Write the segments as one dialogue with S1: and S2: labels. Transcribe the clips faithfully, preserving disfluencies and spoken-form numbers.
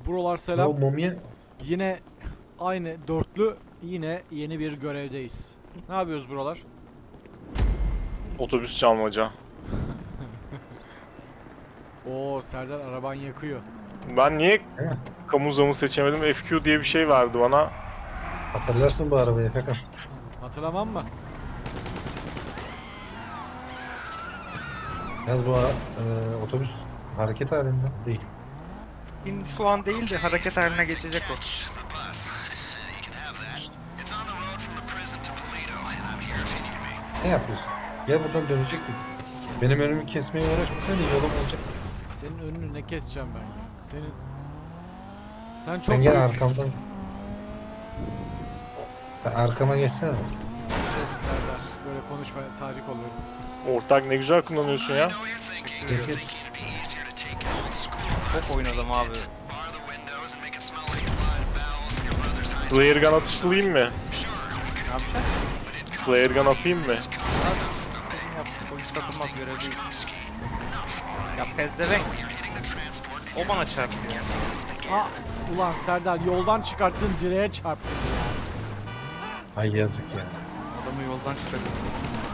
S1: Buralar
S2: O
S1: selam.
S2: mumya
S1: Yine aynı dörtlü, yine yeni bir görevdeyiz. Ne yapıyoruz buralar?
S3: Otobüs çalmaca.
S1: Oo, Serdar araban yakıyor.
S3: Ben niye
S2: He,
S3: kamu zamı seçemedim? F Q diye bir şey verdi bana.
S2: hatırlarsın bu arabayı Efekan.
S1: Hatırlamam mı?
S2: Yalnız bu ara- e, otobüs hareket halinde değil.
S4: Şimdi şu an değil de hareket haline geçecek o.
S2: Ne yapıyorsun? Gel buradan dönecektik. Benim önümü kesmeye uğraşmasaydın yolum olacak.
S1: Senin önünü ne keseceğim ben ya? Senin... Sen çok
S2: Sen gel
S1: büyük-
S2: arkamdan. Sen arkama geçsene.
S1: Of Serdar, böyle konuşma tahrik oluyorum.
S3: Ortak ne güzel kullanıyorsun ya.
S2: Geç geç.
S4: Çok oynadım abi.
S3: Flare gun atışlayayım mı?
S4: Ne yapacaksın?
S3: Flare gun atayım mı?
S4: Senin yaptığın polis takılmak görevliyiz. Ya pezevenk. O bana çarpıyor.
S1: Aa, ulan Serdar yoldan çıkarttın, direğe çarptın ya.
S2: Ay yazık ya.
S4: Adamı yoldan çıkarıyorsun.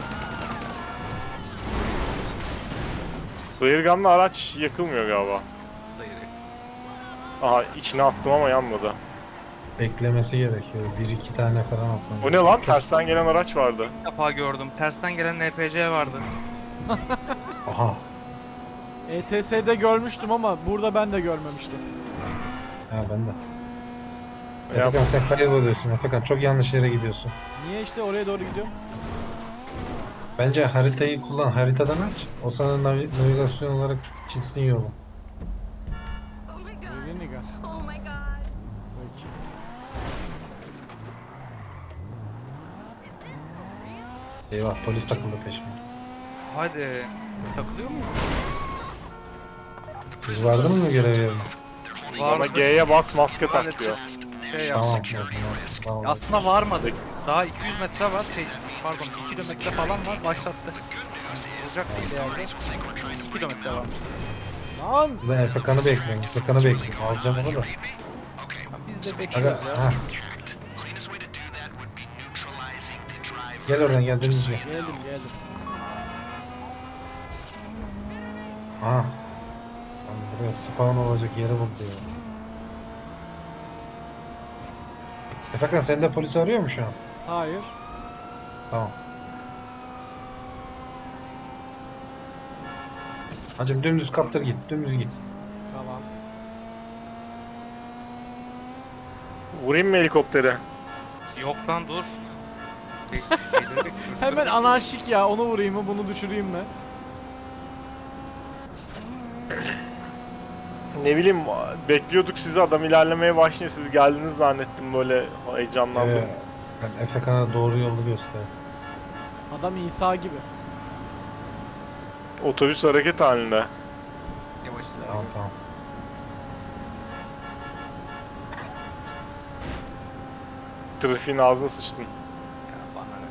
S3: Flare gun'la araç yakılmıyor galiba.
S4: Hayır.
S3: Aha içine attım ama yanmadı.
S2: Beklemesi gerekiyor. Bir iki tane falan atmam.
S3: O ne lan? Tersten gelen araç vardı.
S4: Bir defa gördüm. Tersten gelen N P C vardı.
S2: Aha.
S1: E T S'de görmüştüm ama burada ben de görmemiştim.
S2: Ha ben de.
S3: Ya,
S2: Efekan sen kayboluyorsun. Efekan çok yanlış yere gidiyorsun.
S1: Niye işte oraya doğru gidiyorum?
S2: Bence haritayı kullan. Haritadan aç. O sana navi- navigasyon olarak çizsin yolu.
S5: Oh my god.
S1: Öyle niga.
S5: Oh my god.
S1: Peki.
S5: Is this for real?
S2: Eyvah polis takıldı peşime.
S4: Hadi. Takılıyor mu?
S2: Siz vardınız mı görev yerine?
S3: bana G'ye bas maske tak diyor.
S4: Şey
S2: Tamam.
S4: yapsın.
S2: o zaman, Tamam.
S4: Aslında varmadık. Daha iki yüz metre var. Şey, pardon iki kilometre falan var. Başlattı. Olacak bir yerde. iki kilometre varmış.
S1: Lan!
S2: Ben Efekan'ı bekliyorum. Efekan'ı bekliyorum. Alacağım onu da.
S4: Ya biz de
S2: Aga,
S4: bekliyoruz ya.
S2: ha. Gel oradan gel dönünce.
S1: Geldim geldim.
S2: Aha. Lan buraya spawn olacak yeri buldu ya. Efekan sen de polisi arıyor mu şu an?
S1: Hayır.
S2: Tamam. Hacım dümdüz kaptır git. Dümdüz git.
S1: Tamam.
S3: Vurayım mı helikoptere?
S4: Yok lan dur. Bek- şeyleri bekliyoruz.
S1: Hemen anarşik ya, onu vurayım mı bunu düşüreyim mi?
S3: Ne bileyim bekliyorduk sizi, adam ilerlemeye başlıyor. Siz geldiniz zannettim, böyle heyecanlandım.
S2: Ee, ben Efekan'a doğru yolu göster.
S1: Adam İsa gibi.
S3: Otobüs hareket halinde.
S4: Yavaş ilerle.
S2: Tamam tamam.
S3: Trafiğin ağzına sıçtın.
S4: Ya bana ne?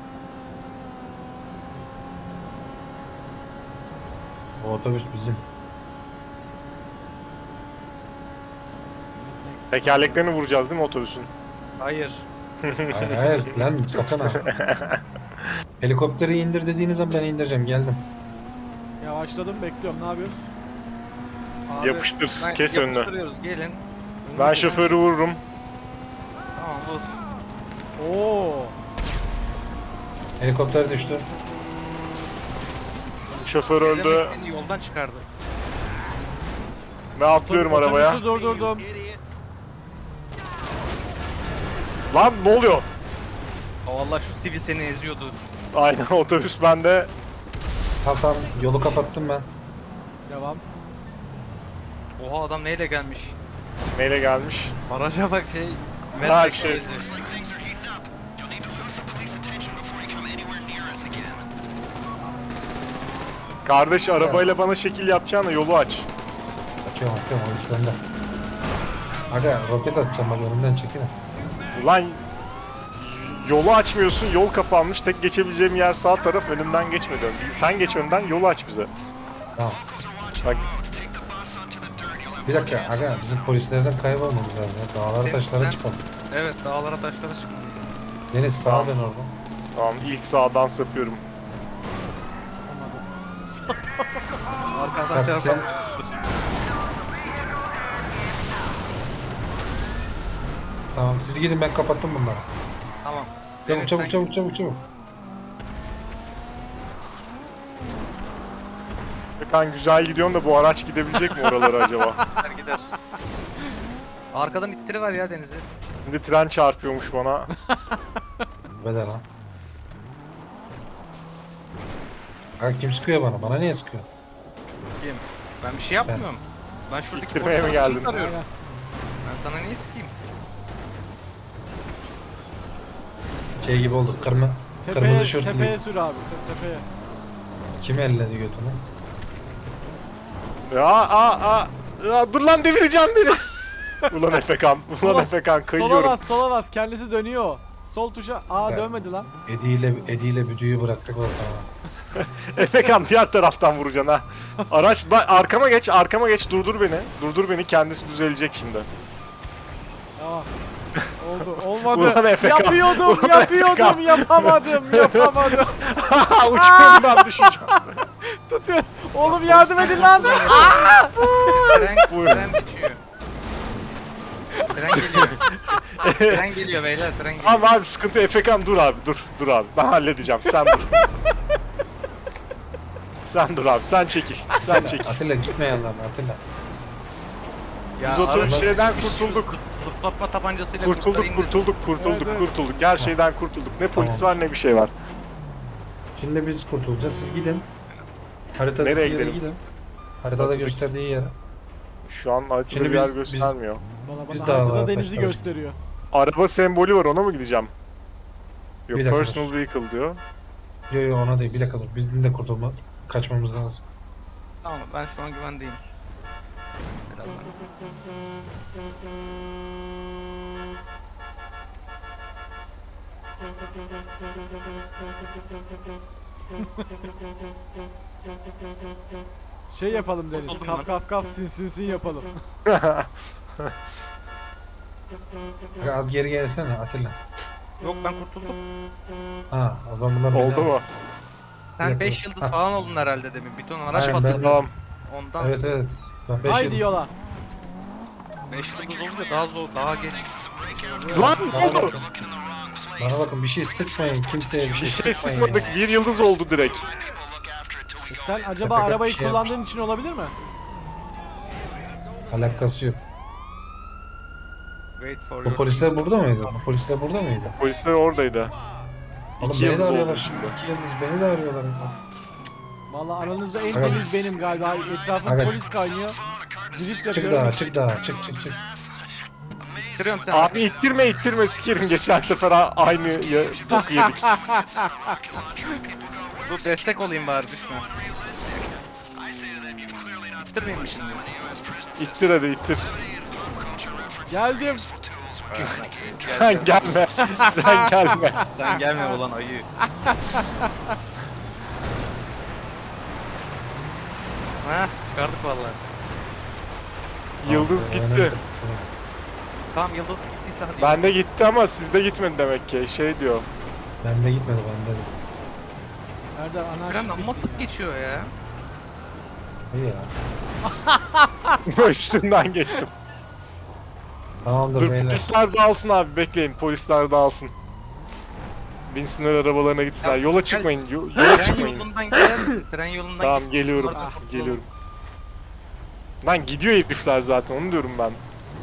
S2: O otobüs bizim.
S3: Tekerleklerini vuracağız değil mi otobüsün?
S4: Hayır.
S2: Hayır hayır lan sakın ha. Helikopteri indir dediğiniz zaman ben indireceğim. Geldim.
S1: Yavaşladım, bekliyorum. Ne yapıyoruz?
S4: Abi,
S3: Yapıştır,
S4: ben-
S3: kes önünü.
S4: Yapıştırıyoruz gelin.
S3: Ben şoförü vururum.
S4: Tamam vur.
S1: Oo.
S2: Helikopter düştü.
S3: Şoför öldü.
S4: Beni yoldan çıkardı.
S3: Ben atlıyorum arabaya.
S1: Otobüsü durdurdum.
S3: Lan ne oluyor?
S4: O Allah şu sivil seni eziyordu.
S3: Aynen, otobüs bende.
S2: Tamam tamam yolu kapattım ben.
S1: Devam.
S4: Oha adam neyle gelmiş?
S3: Neyle gelmiş?
S4: Araca bak şey.
S3: Ha,
S4: Matrix
S3: şey.
S4: aracı.
S3: Kardeş arabayla bana şekil yapacağına yolu aç.
S2: Açıyorum açıyorum o iş bende. Aga roket atacağım bak önümden çekilin.
S3: Ulan yolu açmıyorsun, yol kapanmış. Tek geçebileceğim yer sağ taraf, önümden geçme diyorum. Sen geç önden, yolu aç bize.
S2: Tamam.
S3: Bak
S2: Bir dakika aga bizim polislerden kaybolmamız lazım ya. Dağlara
S4: Sen-
S2: taşlara
S4: sen-
S2: çıkalım.
S4: Evet, dağlara taşlara çıkmalıyız.
S2: Deniz sağa dön oradan.
S3: Tamam ilk sağdan sapıyorum.
S4: Arkadan
S2: Bak
S4: çarpan.
S2: sen- Tamam siz gidin ben kapattım bunları.
S4: Tamam.
S2: Çabuk
S4: Deniz,
S2: çabuk
S4: sen-
S2: çabuk çabuk çabuk.
S3: Efekan güzel gidiyorsun da bu araç gidebilecek mi oralara acaba?
S4: Gider gider. Arkadan ittiri var ya Deniz'i.
S3: Şimdi tren çarpıyormuş bana.
S2: Bedel lan. Aga kim sıkıyor bana? Bana niye sıkıyor?
S4: Kim? Ben bir şey yapmıyorum. Ben şuradaki
S3: İttirmeye mi
S4: polisleri
S3: geldin?
S4: arıyorum.
S1: Aynen.
S4: Ben sana niye sıkayım?
S2: Şey gibi olduk kırmızı
S1: Tepeye,
S2: kırmızı şortlu.
S1: tepeye sür abi sen tepeye.
S2: Kim elledi götünü?
S3: Ya aa aa. Ya, dur lan devireceğim beni. Ulan Efekan. Ulan
S1: Sola-
S3: Efekan
S1: Sola
S3: kayıyorum.
S1: bas sola bas kendisi dönüyor. Sol tuşa. Aa
S2: Ben-
S1: dönmedi lan.
S2: Edi ile Edi ile Büdü'yü bıraktık ortama.
S3: Efekan diğer taraftan vuracaksın ha. Araç bak arkama geç arkama geç durdur beni. Durdur beni kendisi düzelecek şimdi.
S1: Tamam. Oldu. Olmadı.
S3: Ulan Efekan.
S1: Yapıyordum,
S3: Ulan
S1: yapıyordum,
S3: Efekan.
S1: yapamadım, yapamadım.
S3: Uçurumdan düşeceğim.
S1: Tutun. Oğlum yardım edin lan.
S4: Tren,
S3: Buyurun.
S4: tren geçiyor. Tren geliyor. Tren geliyor beyler, tren geliyor.
S3: Tamam abi sıkıntı Efekan dur abi dur dur abi ben halledeceğim sen dur. Sen dur abi sen çekil sen çekil.
S2: Atilla gitme yanlarına Atilla.
S4: Ya
S3: Biz oturup
S4: arada
S3: şeyden
S4: şu
S3: kurtulduk.
S4: zıp- Zıplatma tabancasıyla
S3: Kurtulduk
S4: kurtarayım dedim.
S3: kurtulduk kurtulduk
S1: Evet, evet.
S3: kurtulduk her şeyden kurtulduk ne polis
S2: Tamam.
S3: var ne bir şey var.
S2: Şimdi biz kurtulacağız. Siz gidin. Haritadaki
S3: Nereye
S2: yere
S3: gidelim?
S2: gidin. Haritada
S3: Haritadaki-
S2: gösterdiği yere.
S3: Şu an haritada
S2: Şimdi
S3: bir yer
S2: biz- biz-
S3: göstermiyor.
S1: Bana
S2: Biz
S1: bana
S2: dağlara
S1: haritada denizi
S2: taşlara
S1: gösteriyor.
S3: Araba sembolü var ona mı gideceğim? Yok
S2: Bir dakika,
S3: personal
S2: dur.
S3: vehicle diyor.
S2: Yo yo ona değil. Bir dakika dur. Bizim de kurtulma. Kaçmamız lazım.
S4: Tamam, ben şu an güvendeyim. Birazdan.
S1: Şey yapalım Deniz.
S4: Kurtuldum
S1: Kaf
S4: lan.
S1: kaf kaf sin sin sin yapalım.
S2: Aga, az geri gelsene Atilla.
S4: Yok, ben kurtuldum.
S2: Ha o zaman bunlar
S3: Oldu
S2: beni-
S3: mu?
S4: Sen
S2: Yok,
S4: beş
S2: yok.
S4: yıldız
S2: Ha.
S4: falan oldun herhalde demin. Bir ton araç
S2: Aynen,
S4: patladı.
S2: ben-
S3: Tamam.
S4: Ondan
S2: Evet evet. Ben beş
S1: Haydi
S2: yıl-
S1: yola.
S4: beş yıldız olunca daha zor, daha geç.
S3: Lan
S2: Bana
S3: ne oldu?
S2: bakın. Bana bakın bir şey sıkmayın. Kimseye bir şey,
S3: Bir şey
S2: sıkmayın.
S3: sıkmadık
S2: ya.
S3: bir yıldız oldu direkt.
S1: E Sen acaba
S2: Efekan
S1: arabayı
S2: bir şey
S1: kullandığın için olabilir mi?
S2: Alakası yok.
S4: Wait for
S2: Bu
S4: your...
S2: polisler burada mıydı? Bu polisler burada mıydı?
S3: Polisler oradaydı.
S2: Oğlum
S3: İki
S2: beni de
S3: yıldız oldu
S2: arıyorlar
S3: şimdi.
S2: şimdi. İki yıldız beni de arıyorlar.
S1: Vallahi aranızda en
S2: Aga-
S1: temiz benim galiba. Etrafında
S2: Aga-
S1: polis kaynıyor. Drift
S2: Çık
S1: yapıyorum.
S2: daha çık daha çık çık çık.
S4: Bitiriyorum sen.
S3: Abi ittirme ittirme sikerim geçen sefer a- aynı ya, boku yedik.
S4: Dur, destek olayım bari, düşme. Bitirmeyeyim mi şimdi?
S3: İttir hadi ittir.
S1: Geldim.
S3: Sen gelme. Sen gelme.
S4: Sen gelme ulan ayı. Ha, çıkardık vallahi.
S3: Yıldız
S2: Tamam,
S3: gitti.
S2: önemli.
S4: Tamam, yıldız gittiyse hadi.
S3: Bende gitti ama sizde gitmedi demek ki. Şey diyor.
S2: Bende gitmedi bende de.
S1: Serdar
S4: Tren
S1: anarşik
S4: amma
S1: misin?
S4: sık geçiyor ya.
S2: İyi ya.
S3: Üstünden geçtim.
S2: Tamamdır
S3: Dur
S2: beyler.
S3: polisler dağılsın abi bekleyin. Polisler dağılsın. Binsinler arabalarına gitsinler.
S4: Ya,
S3: Yola
S4: gel-
S3: çıkmayın. yo- yola
S4: Tren
S3: çıkmayın.
S4: yolundan gider misin? Tren yolundan
S3: Tamam
S4: git.
S3: geliyorum.
S4: Bunlardan kurtulalım.
S3: Geliyorum. Lan gidiyor herifler zaten onu diyorum ben.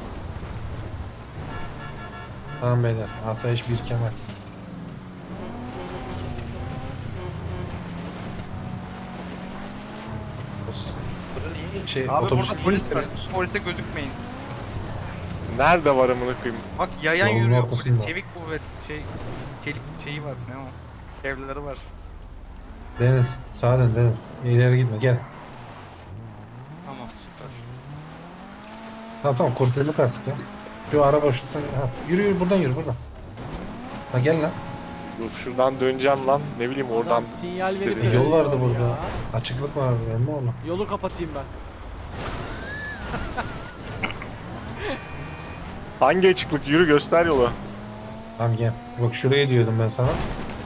S2: Tamam beyler. Asayiş bir kemer. Şey,
S4: Abi
S2: otobüs
S4: burada
S2: iyi
S4: polis var.
S2: gidiyoruz.
S4: Polise gözükmeyin.
S3: Nerede var amına koyayım?
S4: Bak yayan
S2: Yolun
S4: yürüyor
S2: ortasında.
S4: polis. Çevik kuvvet. Şey, çelik şeyi var. Ne o? Evlileri var.
S2: Deniz, sağa dön Deniz. İleri gitme, gel.
S4: Tamam, süper.
S2: Tamam tamam kurtulduk artık ya. Şu araba şuradan, ha, yürü yürü buradan yürü buradan. Ha gel lan.
S3: Dur şuradan döneceğim lan. Ne bileyim oradan.
S1: Adam sinyal verip
S3: istediğim-
S1: de
S2: Yol vardı
S1: dönüyor
S2: burada.
S1: ya.
S2: Açıklık vardı emmi oğlum.
S1: Yolu kapatayım ben.
S3: Hangi açıklık? Yürü göster yolu.
S2: Tamam gel. Bak şuraya diyordum ben sana.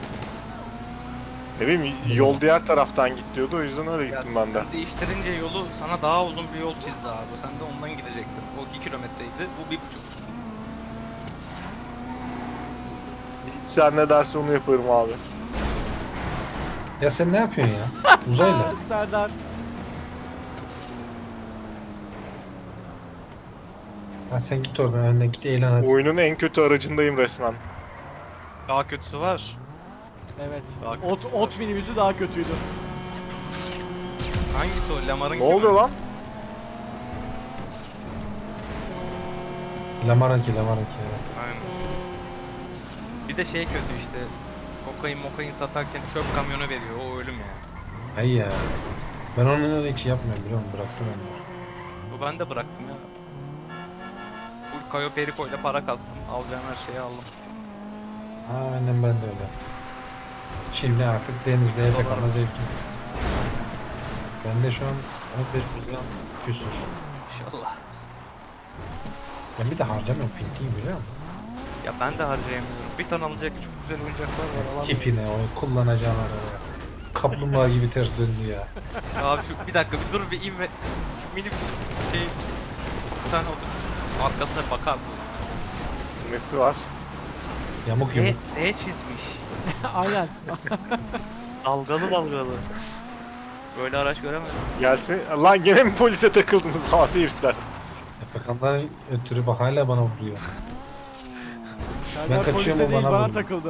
S3: Ne bileyim yol diğer taraftan git diyordu o yüzden öyle
S4: Ya
S3: gittim ben de.
S4: sen değiştirince yolu sana daha uzun bir yol çizdi abi. Sen de ondan gidecektin. O iki kilometreydi. Bu bir buçuk.
S3: Sen ne derse onu yaparım abi.
S2: Ya sen ne yapıyorsun ya? Uzayla.
S1: Aa, Serdar.
S2: Sen, sen git oradan önden git eğlen hadi.
S3: Oyunun en kötü aracındayım resmen.
S4: Daha kötüsü var.
S1: Evet.
S4: Daha
S1: Ot,
S4: kötüsü
S1: ot
S4: var.
S1: minibüsü daha kötüydü.
S4: Hangisi o? Lamar'ın
S3: Ne oluyor lan?
S2: Lamaranki Lamaranki ya.
S4: Aynen. Bir de şey kötü işte. Kokain mokain satarken çöp kamyonu veriyor. O ölüm yani.
S2: Ay ya. Ben onu hiç yapmıyorum biliyor musun? Bıraktım onu.
S4: Bu ben de bıraktım ya. Bu Cayo Perico ile para kastım. Alacağım her şeyi aldım.
S2: Aynen ben de öyle yaptım. Şimdi artık denizde Efekan'la zevkim. Ben de şu an on bir milyon küsur.
S4: İnşallah.
S2: Ben bir de harcamıyorum pintiyim biliyor musun?
S4: Ya ben de harcayamıyorum. Bir tane alacak çok güzel oyuncaklar var. alamıyorum.
S2: Tipine o kullanacağın araba. Kaplumbağa gibi ters döndü ya.
S4: Ya abi şu bir dakika bir dur bir in ve şu minibüsün şey sen otobüsün arkasına bir bakar mısın?
S3: Nesi var?
S2: Yamuk
S4: Z,
S2: yumuk.
S4: Z çizmiş.
S1: Aynen.
S4: Dalgalı dalgalı. Böyle araç göremezsin.
S3: Gelsin. Lan gene mi polise takıldınız hadi herifler?
S2: Efekan'dan ötürü bak hala bana vuruyor.
S1: Serdar
S2: kaçıyorum,
S1: polise
S2: o
S1: değil
S2: bana
S1: bana
S2: vuruyor.
S1: takıldı.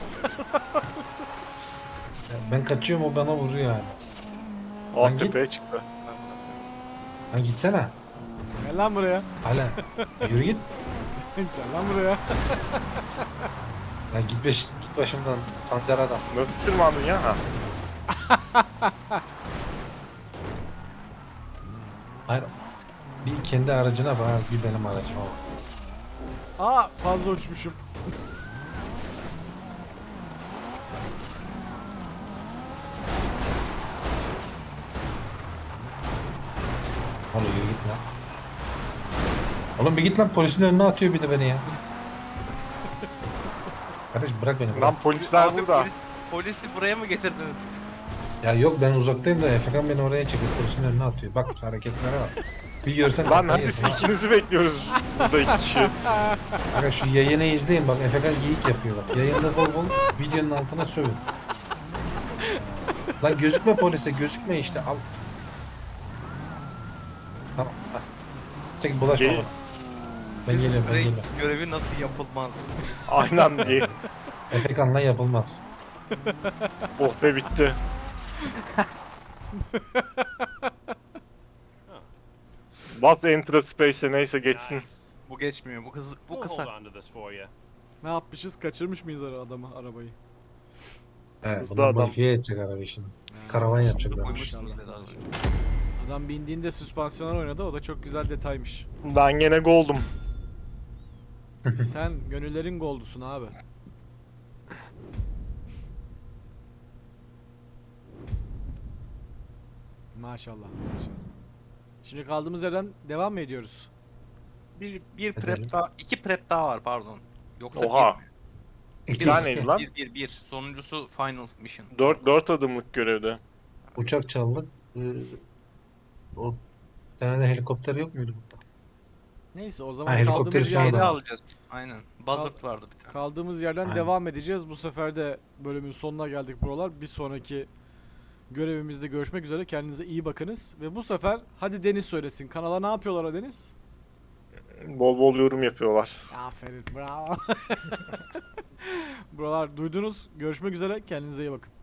S2: Ben kaçıyorum o bana vuruyor yani. Lan
S3: Alt
S2: git.
S3: tepeye çıktı.
S2: Lan gitsene.
S1: Gel lan buraya.
S2: Hala. Yürü git.
S1: Gel lan buraya.
S2: Lan git, beş, git başımdan panzer adam.
S3: Nasıl tırmandın ya? Ha.
S2: Hayır. Bir kendi aracına bak, bir benim aracıma bak.
S1: Aa fazla uçmuşum.
S2: Oğlum yürü git lan. Oğlum bir git lan, polisin önüne atıyor bir de beni ya. Kardeş bırak beni. Bırak.
S3: Lan polisler
S4: Abi
S3: burada.
S4: Polis, polisi buraya mı getirdiniz?
S2: Ya yok ben uzaktayım da Efekan beni oraya çekiyor, polisin önüne atıyor. Bak hareketlere bak. Bir görsen
S3: Lan
S2: kafayı
S3: hadi
S2: yersin
S3: siz
S2: ha.
S3: ikinizi bekliyoruz. Burada iki kişi.
S2: Kanka şu yayını izleyin bak, Efekan geyik yapıyor bak. Yayında bol bol videonun altına sövün. Lan gözükme polise, gözükme işte al. Tamam. Hadi. Çek bulaşma
S3: Gel-
S2: bana. Ben geliyorum ben
S4: Görev-
S2: geliyorum.
S4: Görevi nasıl yapılmaz?
S3: Aynen diye.
S2: Efekan'la yapılmaz.
S3: Oh be bitti. Bas Enter Space'e neyse geçsin.
S4: Bu geçmiyor. Bu hız bu
S6: We'll hold
S4: kısa.
S6: on to this for you.
S1: Ne yapmışız? Kaçırmış mıyız ara- adamı arabayı?
S2: Evet,
S3: Hızlı
S2: bunu
S3: adam.
S2: modifiye edecek arabayı şimdi. Karavan yapacaklar.
S4: Koymuşsunuz dedi az önce.
S1: Adam bindiğinde süspansiyonlar oynadı. O da çok güzel detaymış.
S3: Ben gene goldum.
S1: Sen gönüllerin goldusun abi. Maşallah. Maşallah. Şimdi kaldığımız yerden devam mı ediyoruz?
S4: Bir, bir
S2: Edelim.
S4: prep daha, iki prep daha var pardon. Yoksa
S3: Oha.
S4: bir,
S3: Bir taneydi lan.
S4: bir, bir, bir. Sonuncusu final mission.
S3: Dört, dört adımlık görevde.
S2: Uçak çaldık. Ee, o bir tane de helikopter yok muydu burada?
S1: Neyse o zaman
S2: Ha, helikopteri
S1: kaldığımız
S2: sonra
S4: Şeyde
S1: yerden,
S2: da-
S4: alacağız. Aynen. Buzzard vardı bir tane.
S1: kaldığımız yerden
S2: Aynen.
S1: devam edeceğiz. Bu sefer de bölümün sonuna geldik buralar. Bir sonraki görevimizde görüşmek üzere. Kendinize iyi bakınız. Ve bu sefer hadi Deniz söylesin. Kanala ne yapıyorlar o Deniz?
S3: Bol bol yorum yapıyorlar.
S1: Aferin bravo. Buralar duydunuz. Görüşmek üzere. Kendinize iyi bakın.